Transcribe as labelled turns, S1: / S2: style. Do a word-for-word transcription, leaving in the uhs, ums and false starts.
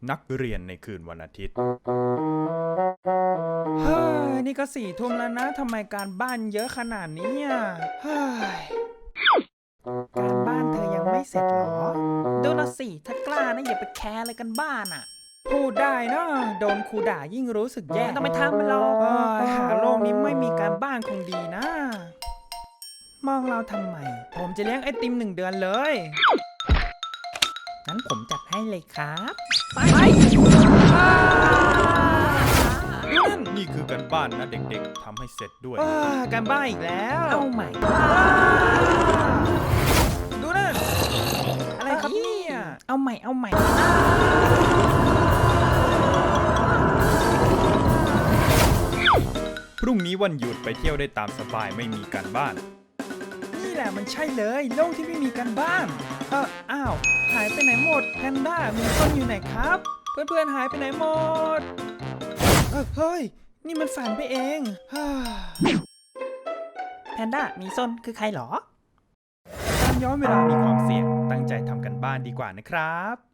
S1: นักเรียนในคืนวันอาทิตย์
S2: เฮ้ยนี่ก็สี่ทุ่มแล้วนะทำไมการบ้านเยอะขนาดนี้อ่ะเฮ้ยการบ้านเธอยังไม่เสร็จหรอดูละสิถ้ากล้านะอย่าไปแคร์อะไรกันบ้านอ่ะพูดได้นะโดนครูด่ายิ่งรู้สึกแย่ต้องไปทำมันหรอกหาโลกนี้ไม่มีการบ้านคงดีนะมองเราทำไมผมจะเลี้ยงไอติมหนึ่งเดือนเลยงั้นผมจัดให้เลยครับไปนั่น
S1: นี่คือการบ้านนะเด็กๆทำให้เสร็จด้วย
S2: การบ้านอีกแล้วเอาใหม่ดูนั่นอะไรครับเนี่ยเอาใหม่เอาใหม่
S1: พรุ่งนี้วันหยุดไปเที่ยวได้ตามสบายไม่มีการบ้าน
S2: นี่แหละมันใช่เลยโลกที่ไม่มีการบ้านเอออ้าวหายไปไหนหมดแพนด้ามีต้นอยู่ไหนครับเพื่อนๆหายไปไหนหมดเออเฮ้ยนี่มันฝันไปเองแพนด้ามีส้นคือใครหรอ
S1: การย้อนเวลามีความเสี่ยงตั้งใจทำกันบ้านดีกว่านะครับ